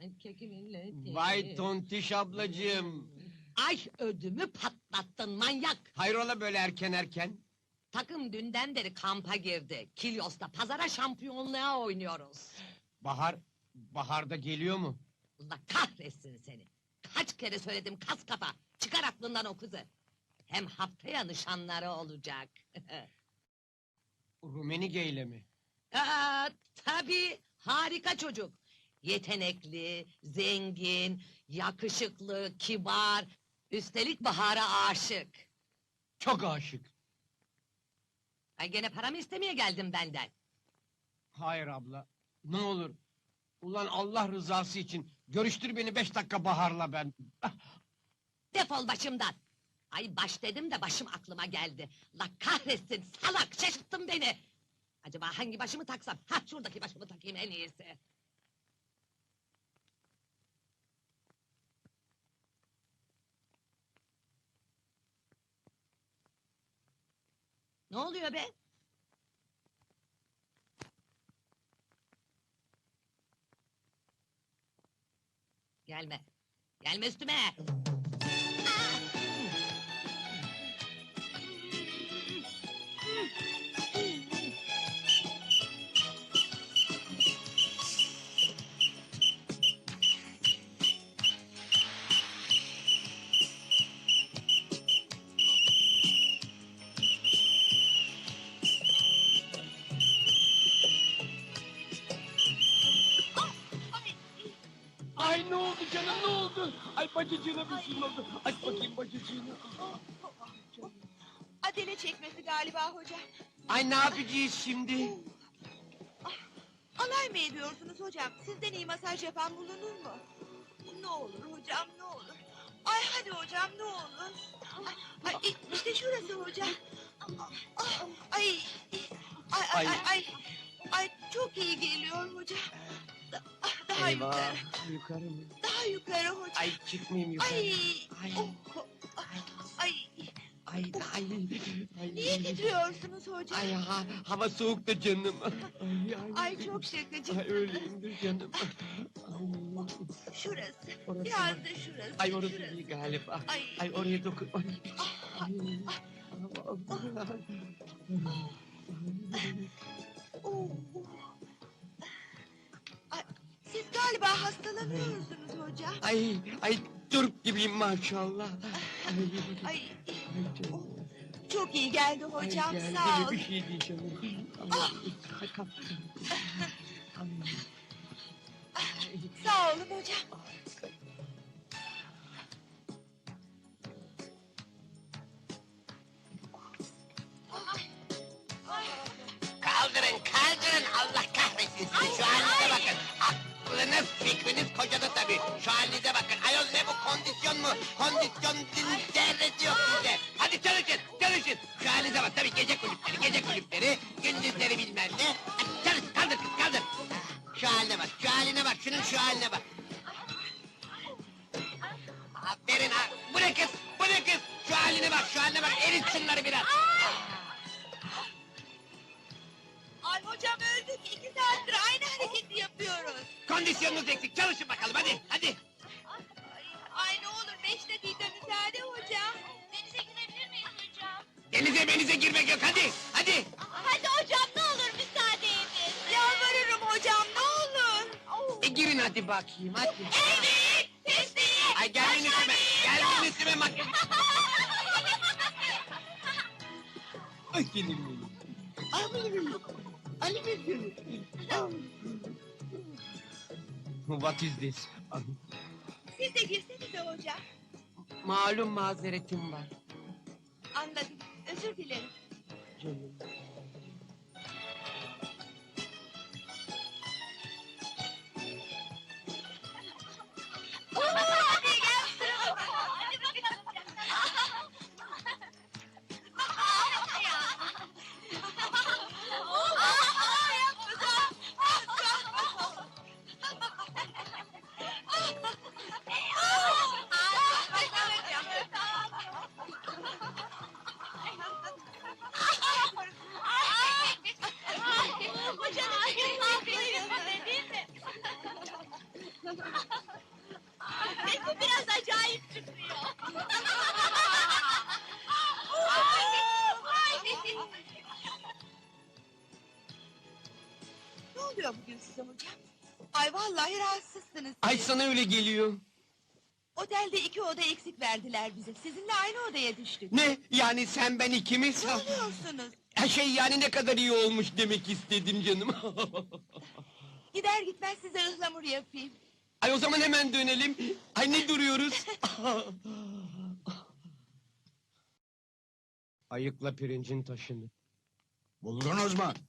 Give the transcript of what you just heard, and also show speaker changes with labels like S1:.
S1: Vay tontiş ablacığım!
S2: Ay ödümü patlattın manyak!
S1: Hayrola böyle erken?
S2: Takım dünden beri kampa girdi. Kilyos'ta pazara şampiyonluğa oynuyoruz.
S1: Baharda geliyor mu?
S2: Allah kahretsin seni! Kaç kere söyledim kas kafa! Çıkar aklından o kızı! Hem haftaya nişanları olacak.
S1: Rumenige ile mi?
S2: Tabii, harika çocuk. Yetenekli, zengin, yakışıklı, kibar... Üstelik Bahar'a aşık.
S1: Çok aşık.
S2: Ay gene paramı istemeye geldim benden.
S1: Hayır abla, ne olur. Ulan Allah rızası için görüştür beni 5 dakika Bahar'la ben.
S2: Defol başımdan! Ay baş dedim de başım aklıma geldi. La kahretsin salak, şaşırttın beni! Acaba hangi başımı taksam? Ha şuradaki başımı takayım en iyisi. Ne oluyor be? Gelme. Gelme üstüme!
S1: Ay ne oldu canım, ne oldu? Ay bacacığına bir şey oldu. Aç bakayım bacacığını.
S3: Adele çekmesi galiba hocam.
S1: Ay ne yapacağız şimdi?
S3: Alay mı ediyorsunuz hocam? Sizden iyi masaj yapan bulunur mu? Ne olur hocam, ne olur. Ay hadi hocam, ne olur. Ay, işte şurası hocam. Ay, ay, çok iyi geliyor hocam. Daha yukarı,
S1: Yukarı mı?
S3: daha yukarı hocam.
S1: Ay çıkmayayım yukarı.
S3: Ay,
S1: Ay.
S3: ay,
S1: Ay.
S3: niye titriyorsunuz hocam?
S1: Ay hava soğuk da canım.
S3: Ay çok şakacı.
S1: Ay öyleyimdir canım.
S3: Şurası,
S1: Orası
S3: biraz
S1: mı?
S3: da şurası.
S1: Ay orası
S3: şurası.
S1: iyi galiba.
S3: Ay.
S1: Ay oraya dokun. Ay.
S3: Oo. Ay, siz galiba hastalanıyorsunuz hocam.
S1: Ay Türk gibiyim maşallah.
S3: Ay, oh, çok iyi geldi hocam,
S1: Ay,
S3: sağ
S1: geldi
S3: ol.
S1: bir şey diyeceğim. Ay, kalk.
S3: Sağ olun hocam.
S4: Kaldırın Allah kahretsin sizi şu halinize bakın. Aklınız fikriniz kocada tabii. Şu halinize bakın. Ayol ne bu kondisyon mu? Kondisyon zerresi yok sizde. Hadi çalışın. Şu halinize bak tabii gece kulüpleri, gündüzleri bilmem ne. Hadi çalış kaldır. Şu haline bak, şunun şu haline bak. Aferin ha. Bu ne kız? Şu haline bak, erit şunları biraz.
S3: Ay hocam öldük, 2 saattir aynı hareketi yapıyoruz.
S4: Kondisyonunuz eksik, çalışın bakalım hadi.
S3: Ay ne olur 5 dakika müsaade hocam. Denize girebilir miyiz hocam?
S4: Denize girmek yok, hadi.
S3: Hadi hocam ne olur müsaade edin. Yalvarırım hocam ne olur.
S1: Girin hadi bakayım hadi.
S3: Evet, teslim.
S4: Ay gelin üstüme makyaj.
S1: Ay gelin benim. Ay benim. What is this?
S3: Siz de girsenize hocam.
S1: Malum mazeretim var.
S3: Anladım, özür dilerim.
S1: Canım.
S3: Hadi gel sıra. Hadi bakalım. Bu biraz acayip çıkıyor. Ne oluyor bugün size hocam? Ay vallahi rahatsızsınız.
S1: Ay sana öyle geliyor.
S3: Otelde 2 oda eksik verdiler bize. Sizinle aynı odaya düştük.
S1: Ne? Yani sen ben ikimiz?
S3: Ne oluyorsunuz?
S1: Ha şey yani ne kadar iyi olmuş demek istedim canım.
S3: Gider gitmez size ıhlamur yapayım.
S1: Ay o zaman hemen dönelim. Ay ne duruyoruz? Ayıkla pirincin taşını.
S5: Buldunuz mu?